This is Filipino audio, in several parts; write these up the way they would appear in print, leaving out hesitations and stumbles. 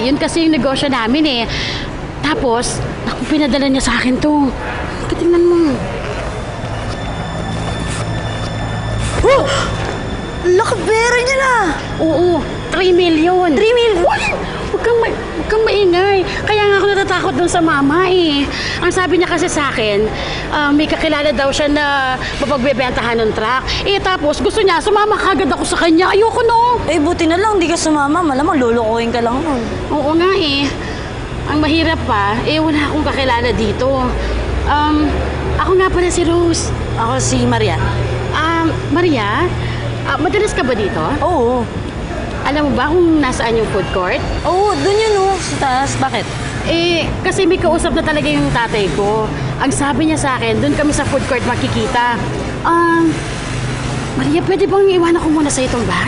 Yun kasi yung negosyo namin eh. Tapos, naku, pinadala niya sa akin to. Tingnan mo. Oh! Laki pera niya na! Oo, 3 million. 3 million? Huwag kang maingay. Kaya nga ako natatakot dun sa mama eh. Ang sabi niya kasi sa akin, may kakilala daw siya na mapagbebentahan ng truck. Eh tapos gusto niya, sumama kagad ako sa kanya. Ayoko no. Eh, buti na lang, di ka sumama. Malamang lulukuhin ka lang nun. Oo nga eh. Ang mahirap pa, eh wala akong kakilala dito. Ako nga pala si Rose. Ako si Maria. Maria, madalas ka ba dito? Oo. Alam mo ba kung nasaan yung food court? Oo, dun yun oh. Sa taas. Bakit? Eh, kasi may kausap na talaga yung tatay ko. Ang sabi niya sa akin, doon kami sa food court makikita. Maria, pwede bang iwanan ko muna sa itong bag?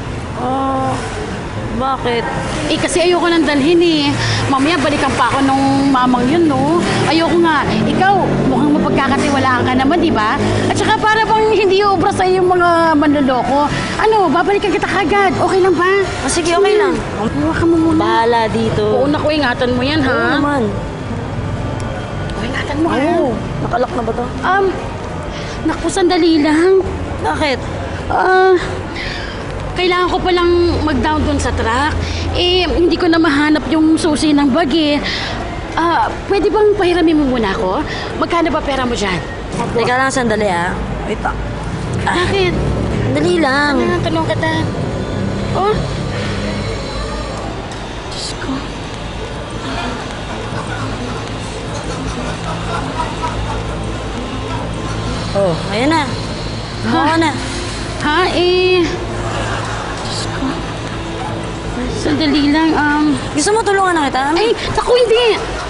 Bakit? Eh, kasi ayoko nang dalhin eh. Mamaya balikan pa ako nung mamang yun, no? Ayoko nga. Ikaw, mukhang mapagkakatiwalaan ka naman, di ba? At saka para bang hindi ubra sa yung mga manloloko. Ano, babalikan kita kagad. Okay lang ba? Sige, okay lang. Huwag ka mo muna. Bahala dito. Oo, naku, ingatan mo yan, ha? Oo naman. Ingatan mo, ha? Oo. Nakalak na ba to? Naku, sandali lang. Bakit? Kailangan ko palang mag-down dun sa truck. Eh, hindi ko na mahanap yung susi ng bag eh. Pwede bang pahiramin mo muna ako? Magkano ba pera mo dyan? Teka lang, sandali ah. Wait pa. Bakit? Dali lang. Tanong kita. Oh? Diyos ko. Oh, ayan na. Oo na. Ha? Eh... Diyos ko. Sandali lang, Gusto mo tulungan na kita? Ay, naku, hindi.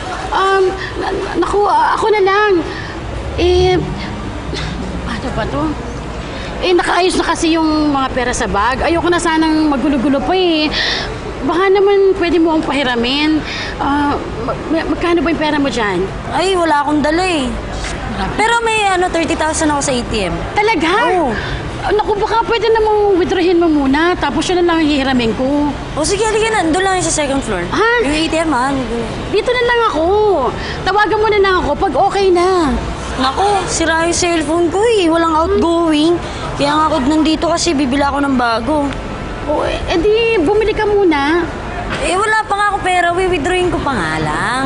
Ako na lang. Eh, ano ba to? Eh, nakaayos na kasi yung mga pera sa bag. Ayoko na sanang magulo-gulo pa eh. Baka naman pwede mo akong pahiramin. Magkano ba yung pera mo dyan? Ay, wala akong dala eh. Pero may 30,000 ako sa ATM. Talaga? Oo. Naku, baka pwede namang withdrawin mo muna. Tapos yun na lang ang hihiramin ko. O sige, halika na. Doon lang yung sa second floor. Ha? Yung ATM ha. Dito na lang ako. Tawagan mo na lang ako pag okay na. Naku, sira yung cellphone ko eh. Walang outgoing. Kaya nga ako nandito kasi bibila ako ng bago. O, edi, bumili ka muna. Eh, wala pa nga ako pera. Withdrawing ko pa nga lang.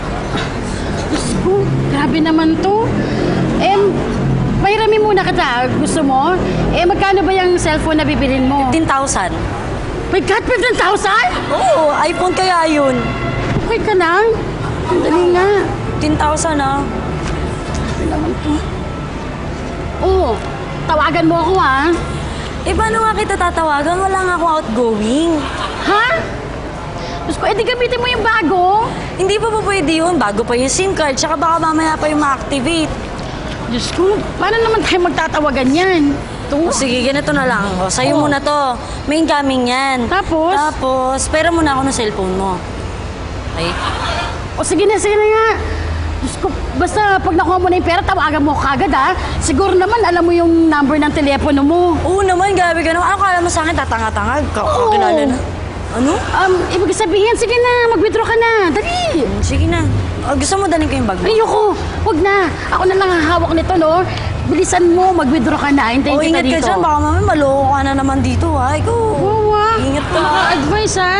Oh, grabe naman to. Pahiramin muna kita. Gusto mo? Magkano ba yung cellphone na bibilin mo? 15,000. My God, 15,000? Oo, iPhone kaya yun. Okay ka lang? Ang dali nga. 15,000 ah. Grabe naman to. Oo, tawagan mo ako ha. Eh, paano nga kita tatawagan? Wala nga akong outgoing. Ha? Gusto ko, edi gamitin mo yung bago. Hindi pa po pwede yun. Bago pa yung SIM card. Tsaka baka mamaya pa yung ma-activate. Diyos ko, paano naman tayo magtatawagan yan? O sige, ganito na lang. O, sa'yo Oo. muna to. May incoming yan. Tapos? Pera muna ako ng cellphone mo. Okay? O sige na nga. Diyos ko, basta pag nakuha mo na yung pera, tawagan mo kagad ha. Siguro naman alam mo yung number ng telepono mo. Oo naman, grabe ka naman. Ano kala mo sa akin? Tatanga-tanga. Kakilala na. Ano? Ibig sabihin, sige na, mag-withdraw ka na. Dali. Sige na. Gusto mo dalhin ko yung bag mo? Ayoko, huwag na. Ako na lang ang hawak nito, no? Bilisan mo, mag-withdraw ka na. Hintayin kita Ingat dito. ka dyan. Baka mamaya maloko ka na naman dito, ha? Ikaw. Wawa. Ingat ka. Advice, ha?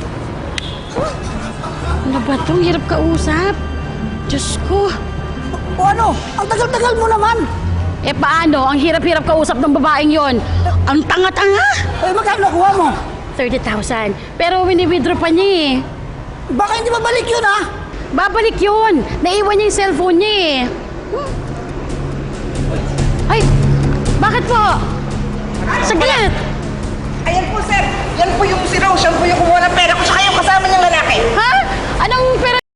Ano ba ito? Hirap kausap. Diyos ko. O ano? Ang tagal-tagal mo naman. Paano? Ang hirap-hirap kausap ng babaeng yon. Ang tanga-tanga. Magkano nakuha mo? 30,000. Pero wini-withdraw pa niya eh. Baka hindi mabalik yun, ha? Babalik yun. Naiwan niya yung cellphone niya eh. Ay, bakit po? Saglit. Ayan po, sir. Yan po yung si Rose. Yan po yung kumuha ng pera ko. Tsaka yung kasama niyang lalaki. Ha?